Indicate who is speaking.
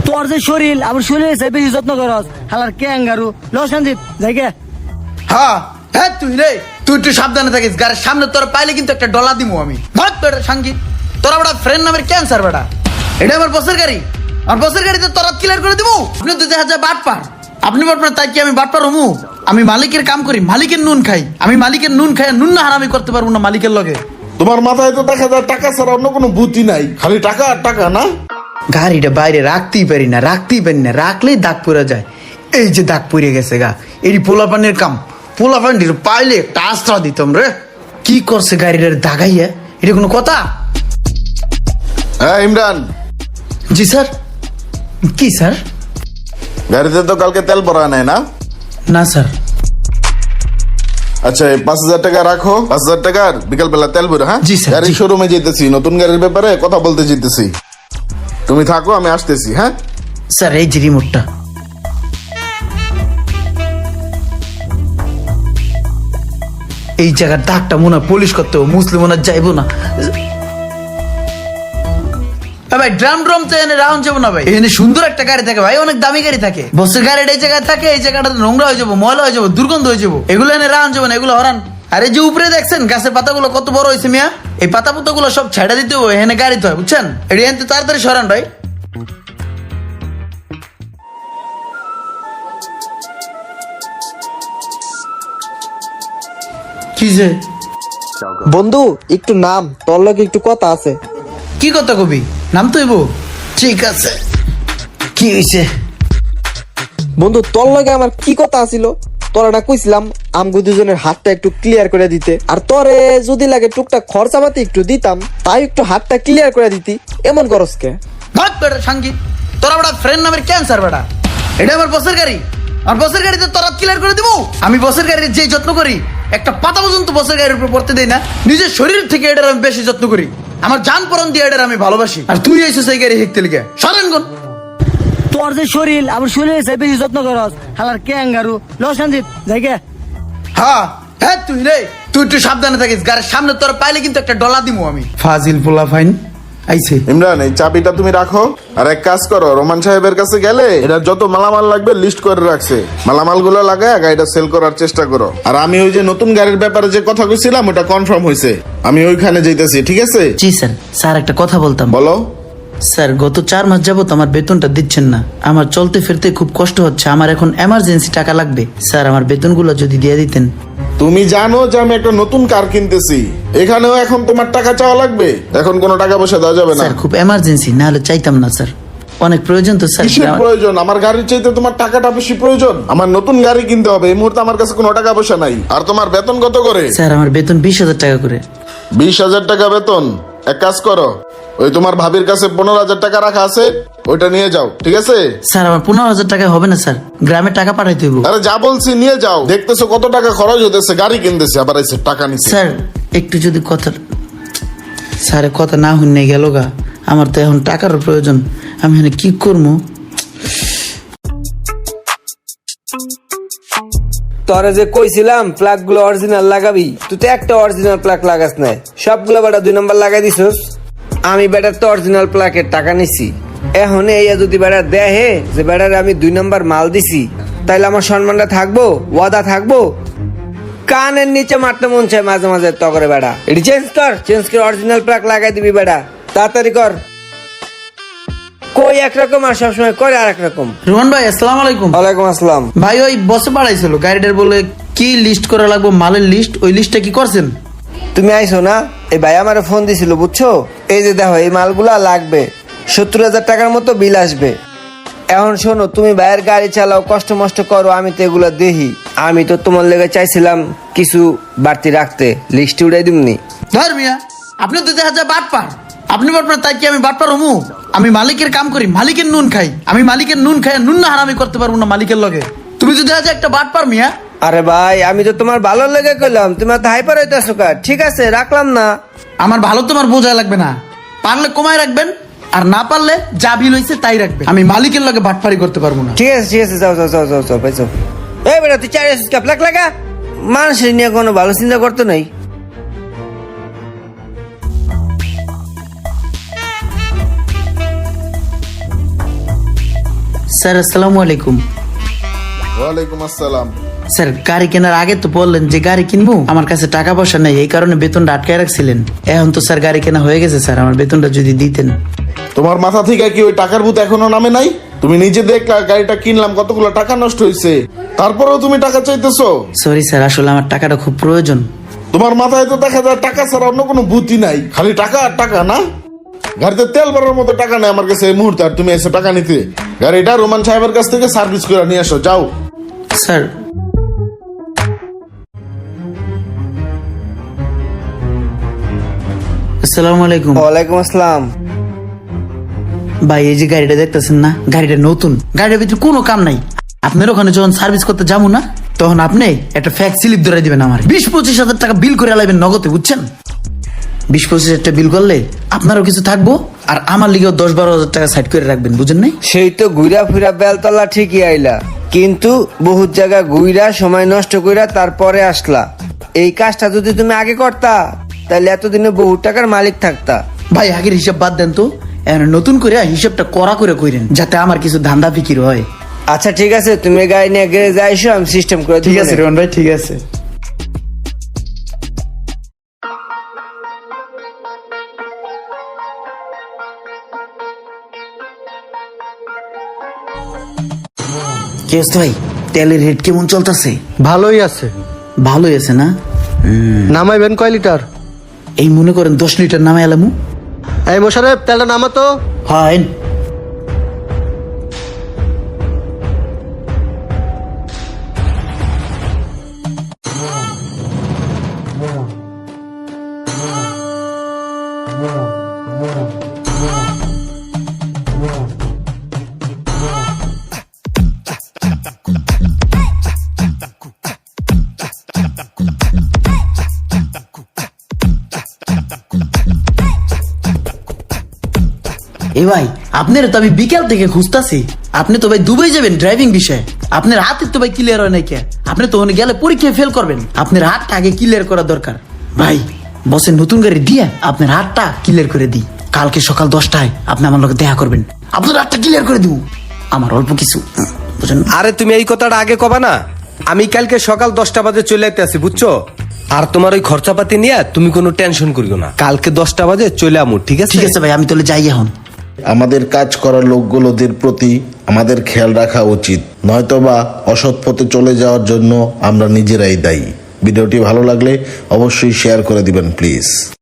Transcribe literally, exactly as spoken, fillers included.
Speaker 1: তোর যে শরীর আমার শরীরে বেশি যত্ন করস হালার ক্যাঙ্গারু ল সঞ্জিত যাইগে।
Speaker 2: হ্যাঁ হ্যাঁ তুই রে তুই একটু সাবধানে থাকিস, গাড়ির সামনে তোর পাইলে কিন্তু একটা ডলা দিমু আমি। ভাগ বেটা সঙ্গীত, তোরা বড় ফ্রেন্ড নামের ক্যান্সার বেটা। এটা আমার বসের গাড়ি, আমার বসের গাড়িতে তোরা ক্লিয়ার করে দিবো। আপনি তো দেখা যায় বাট পার, আপনি বাট পার, তাই কি আমি বাট পার হমু? আমি মালিকের কাম করি, মালিকের নুন খাই। আমি মালিকের নুন খাই, নুন না হারামি করতে পারবো না মালিকের লগে।
Speaker 3: তোমার মাথায় তো দেখা যায় টাকা ছাড়া অন্য কোনো বুদ্ধি নাই, খালি টাকা আর টাকা না।
Speaker 2: গাড়িটা বাইরে রাখতেই পারি না, রাখতেই পারি না, রাখলেই দাগ পড়ে যায়। এই যে দাগ পড়ে গেছে গা, এটি পোলাপানের কাম। পোলাপানির পাইলে একটা আস্ত্রা দিতাম রে। কি করছে গাড়িটার দাগাইয়া, এটা কোনো কথা?
Speaker 3: হ্যাঁ ইমরান।
Speaker 2: জি স্যার। কি স্যার?
Speaker 3: গাড়িতে তো কালকে তেল ভরা নাই না?
Speaker 2: না স্যার।
Speaker 3: আচ্ছা এই পাঁচ হাজার টাকা রাখো, পাঁচ হাজার টাকার বিকাল বেলা তেল ভরে। হ্যাঁ
Speaker 2: জি স্যার,
Speaker 3: গাড়ির
Speaker 2: জি।
Speaker 3: শোরুমে যেতেছি, নতুন গাড়ির ব্যাপারে কথা বলতে যেতেছি। তুমি থাকো, আমি আসতেছি। হ্যাঁ
Speaker 2: স্যার এই যে রিমোটটা। এই জায়গার দাগটা মনে হয় পলিশ করতে হবে, মুসলিম মনে হয় যাইবো না। এ ভাই ড্রাম ড্রাম তো এনে রাউন্ড যাবো না ভাই। এখানে সুন্দর একটা গাড়ি থাকে ভাই, অনেক দামি গাড়ি থাকে। বসের গাড়িটা এই জায়গায় থাকে, এই জায়গাটা নোংরা হয়ে যাবো, ময়লা হয়ে যাবো, দুর্গন্ধ হয়ে যাবো। এগুলো এনে রাউন্ড যাবো না, এগুলো হরান। আর এই যে উপরে দেখছেন গাছের পাতাগুলো কত বড় হয়েছে মিয়া, এই পাতা পুতা গুলো সব ছেড়ে দিতে হবে, এখানে গাড়িতে হয় বুঝছেন। এটা এনতে তাড়াতাড়ি সরান ভাই। কি যে
Speaker 4: বন্ধু একটু নাম, তোর লগে একটু কথা আছে।
Speaker 2: কি কথা কবি? নাম তো এবো। ঠিক আছে, কি হয়েছে?
Speaker 4: বন্ধু তোর লগে আমার কি কথা আছিল, তোরা না কইছিলাম আমগো দুজনের হাতটা একটু ক্লিয়ার করে দিতে, আর তোরে যদি লাগে টুকটাক খরচা পাতি একটু দিতাম, তাই একটু হাতটা ক্লিয়ার করে দিতি। এমন করস কে?
Speaker 2: ভাগ বেটা সঙ্গীত, তোরা বড় ফ্রেন্ড নামের ক্যান্সার বেটা। এটা আমার বসের গাড়ি, আমার বসের গাড়িতে তোরা ক্লিয়ার করে দিবো। আমি বসের গাড়ির যে যত্ন করি, একটা পাতা পর্যন্ত বসের গাড়ির উপর পড়তে দেই না। নিজের শরীর থেকে এটার আমি বেশি যত্ন করি, আমার জান পরন দিয়ে এটার আমি ভালোবাসি। আর তুই এসে সেই গাড়ি হেঁকতে লিখে সরেন গন।
Speaker 1: তোর যে শরীর আমার শরীরে বেশি যত্ন করস হালার ক্যাঙ্গারু ল সঞ্জিত যাইগে।
Speaker 2: হ্যাঁ হ্যাঁ তুই রে তুই একটু সাবধানে থাকিস, গাড়ির সামনে তোর পাইলে কিন্তু একটা ডলা দিমু আমি। ফাজিল পোলা ফাইন আইছে।
Speaker 3: ইমরান এই চাবিটা তুমি রাখো, আর এক কাজ করো, রোমান সাহেবের কাছে গেলে এটা যত মালামাল লাগবে লিস্ট করে রাখছে, মালামাল গুলো লাগায় গাড়িটা সেল করার চেষ্টা করো। আর আমি ওই যে নতুন গাড়ির ব্যাপারে যে কথা কইছিলাম ওটা কনফার্ম হয়েছে, আমি ওইখানে যাইতেছি। ঠিক আছে?
Speaker 2: জি স্যার। স্যার একটা কথা বলতাম।
Speaker 3: বলো।
Speaker 2: স্যার গত চার মাস যাবত আমার বেতনটা দিচ্ছেন না, আমার চলতে ফিরতে খুব কষ্ট হচ্ছে, আমার এখন এমার্জেন্সি টাকা লাগবে। স্যার আমার বেতনগুলো যদি দিয়ে দিতেন।
Speaker 3: তুমি জানো যে আমি একটা নতুন কার কিনতেছি, এখানেও এখন তোমার টাকা চাওয়া লাগবে? এখন কোনো টাকা পয়সা দেওয়া যাবে না।
Speaker 2: স্যার খুব এমার্জেন্সি, না হলে চাইতাম না স্যার, অনেক প্রয়োজন তো স্যার।
Speaker 3: কিসের প্রয়োজন? আমার গাড়ির চাইতে তোমার টাকাটা বেশি প্রয়োজন। আমার নতুন গাড়ি কিনতে হবে, এই মুহূর্তে আমার কাছে কোনো টাকা পয়সা নাই। আর তোমার বেতন কত করে?
Speaker 2: স্যার আমার বেতন বিশ হাজার টাকা করে।
Speaker 3: বিশ হাজার টাকা বেতন? এক কাজ করো, ওই তোমার ভাবির কাছে পনেরো হাজার টাকা রাখা আছে, ওইটা নিয়ে যাও। ঠিক আছে?
Speaker 2: স্যার আমার পনেরো হাজার টাকা হবে না স্যার, গ্রামে টাকা পাঠাইতে হইব।
Speaker 3: আরে যা বলছি নিয়ে যাও, দেখতেছো কত টাকা খরচ হতেছে, গাড়ি কিনতেছে আবার এসে টাকা নিচ্ছে।
Speaker 2: স্যার একটু যদি কথা, স্যার কথা না শুনে গেল গা, আমার তো এখন টাকার প্রয়োজন, আমি এখানে কি করবো?
Speaker 5: তোরে যে কইছিলাম প্লাগ গুলো অরিজিনাল লাগাবি, তুই তো একটা অরিজিনাল প্লাগ লাগাস নাই, সবগুলো বেটা দুই নাম্বার লাগাই দিছস। আমি বেটার তো অরিজিনাল প্লাগের টাকা নিছি, এখন এই যদি বেটা দেহে যে বেটার আমি দুই নাম্বার মাল দিছি, তাইলে আমার সম্মানটা থাকবো, ওয়াদা থাকবো? কানের নিচে মারতে মন চায় মাঝে মাঝে তো করে বেটা। এটি চেঞ্জ কর, চেঞ্জ করে অরিজিনাল প্লাগ লাগাই দিবি বেটা, তাড়াতাড়ি কর। কই একরকম আর সবসময় করে আর একরকম।
Speaker 2: রোহন ভাই আসসালামু আলাইকুম।
Speaker 5: ওয়ালাইকুম আসসালাম।
Speaker 2: ভাই ওই বসে পাঠাইছিল গাড়িটার, বলে কি লিস্ট করা লাগবে মালের লিস্ট, ওই লিস্টটা কি করছেন?
Speaker 5: তুমি আইসো না, এই ভাই আমার ফোন দিছিল বুঝছো, এই যে দেখো এই মালগুলা লাগবে, সত্তর হাজার টাকার মতো বিল আসবে। এখন শোনো, তুমি ভাইয়ের গাড়ি চালাও, কষ্ট মষ্ট করো, আমি তো এগুলো দেখি, আমি তো তোমার লেগে চাইছিলাম কিছু বাড়তি রাখতে, লিস্টে উড়াই দিমনি।
Speaker 2: ধর মিয়া, আপনি তো দেখা যায় বাট পার, আপনি বাট পার, তাই কি আমি বাট পার হমু? আমি মালিকের কাম করি, মালিকের নুন খাই। আমি মালিকের নুন খাই, নুন না হারামি করতে পারবো না মালিকের লগে। তুমি তো দেখা যায় একটা বাট পার মিয়া।
Speaker 5: আরে ভাই আমি তো তোমার ভালো লেগে কইলাম, তুমি তো হাইপার হইতেছো কা? ঠিক আছে রাখলাম না।
Speaker 2: আমার ভালো তোমার বোঝা লাগবে না, পারলে কমায় রাখবেন, আর না পারলে যা বিল হয়েছে তাই রাখবেন। আমি মালিকের লগে বাটপারি করতে পারবো না।
Speaker 5: ঠিক আছে ঠিক আছে, যাও যাও যাও যাও যাও ভাই যাও। এই বেটা তুই চার প্লাগ লাগা, মানুষের নিয়ে কোনো ভালো চিন্তা করতে নাই।
Speaker 2: স্যার আসসালামু আলাইকুম।
Speaker 3: ওয়ালাইকুম আসসালাম।
Speaker 2: স্যার গাড়ি কেনার আগে তো বললেন যে গাড়ি কিনবো, আমার কাছে টাকা পয়সা নেই, এই কারণে বেতনটা আটকায় রাখছিলেন। এখন তো স্যার গাড়ি কেনা হয়ে গেছে, স্যার আমার বেতনটা যদি দিতেন।
Speaker 3: তোমার মাথা থেকে কি ওই টাকার ভূত এখনো নামে নাই? তুমি নিজে দেখলা গাড়িটা কিনলাম, কতগুলো টাকা নষ্ট হয়েছে, তারপরেও তুমি টাকা চাইতেছো?
Speaker 2: সরি স্যার, আসলে আমার টাকাটা খুব প্রয়োজন।
Speaker 3: তোমার মাথায় তো দেখা যায় টাকা ছাড়া অন্য কোনো বুদ্ধি নাই, খালি টাকা আর টাকা না। গাড়িতে তেল ভরার মতো টাকা নেই আমার কাছে এই মুহূর্তে, আর তুমি এসে টাকা নিতে। গাড়িটা রোমান সাহেবের কাছ থেকে সার্ভিস করে নিয়ে আসো, যাও।
Speaker 2: স্যার আসসালামু আলাইকুম।
Speaker 5: ওয়ালাইকুম আসসালাম।
Speaker 2: ভাই এই যে গাড়িটা দেখতেছেন না, গাড়িটা নতুন, গাড়ির ভিতরে কোনো কাম নাই। আপনার ওখানে যখন সার্ভিস করতে যাবো না, তখন আপনি একটা ফ্যাক্স স্লিপ ধরে দিবেন আমার, বিশ পঁচিশ হাজার টাকা বিল করে আলাইবেন নগদে, বুঝছেন? বিশ পঁচিশ হাজার টাকা বিল করলে আপনারও কিছু থাকবো, আর আমার লিগেও দশ বারো হাজার টাকা সাইড করে রাখবেন, বুঝেন নাই?
Speaker 5: সেই তো ঘুরা ফিরা বেলতলা ঠিকই আইলা, কিন্তু বহুত জায়গা ঘুরা সময় নষ্ট কইরা তারপরে আসলা। এই কাজটা যদি তুমি আগে করতা, তাহলে এতদিনে বহু টাকার মালিক থাকতা।
Speaker 2: ভাই আগের হিসাব বাদ দেন তো, এখন নতুন করে হিসাবটা করা করে কইরেন, যাতে আমার কিছু ধান্দা ফিকির হয়।
Speaker 5: আচ্ছা ঠিক আছে, তুমি গাড়ি নিয়ে গ্যারেজে আইসো, আমি সিস্টেম করে
Speaker 2: ঠিক
Speaker 5: দিবো
Speaker 2: আছে
Speaker 5: নে।
Speaker 2: রোহন ভাই, ঠিক আছে। কি অবস্থা ভাই, তেলের রেট কেমন চলতেছে?
Speaker 1: ভালোই আছে।
Speaker 2: ভালোই আছে না?
Speaker 1: নামাইবেন কয় লিটার?
Speaker 2: এই মনে করেন দশ লিটার নামে এলামু।
Speaker 1: এই মোশারেফ তেলটা নামাতো।
Speaker 2: হয় এ ভাই, আপনার তো আমি বিকাল থেকে খুঁজতাছি। আপনি তো ভাই দুবাই যাবেন ড্রাইভিং বিষয়ে, আপনার হাতে তো ভাই ক্লিয়ার হয় নাই কে? আপনি তো ওখানে গেলে পরীক্ষায় ফেল করবেন, আপনার হাতটা আগে ক্লিয়ার করা দরকার। ভাই বসের নতুন গাড়ি দিয়ে আপনার হাতটা ক্লিয়ার করে দিই, কালকে সকাল দশটায় আপনি আমার লোক দেখা করবেন, আপনার হাতটা ক্লিয়ার করে দিব। আমার অল্প কিছু বুঝেন।
Speaker 6: আরে তুমি এই কথাটা আগে কবা না? আমি কালকে সকাল দশটা বাজে চলে আইতে আছি, বুঝছো? আর তোমার ওই খরচাপাতি নিয়ে তুমি কোনো টেনশন করিও না, কালকে দশটা বাজে চলে আমু, ঠিক আছে?
Speaker 2: ঠিক আছে ভাই, আমি তাহলে যাই এখন।
Speaker 3: আমাদের কাজ করা লোকগুলোদের প্রতি আমাদের খেয়াল রাখা উচিত, নয়তোবা অসৎ পথে চলে যাওয়ার জন্য আমরা নিজেরাই দায়ী। ভিডিওটি ভালো লাগলে অবশ্যই শেয়ার করে দিবেন প্লিজ।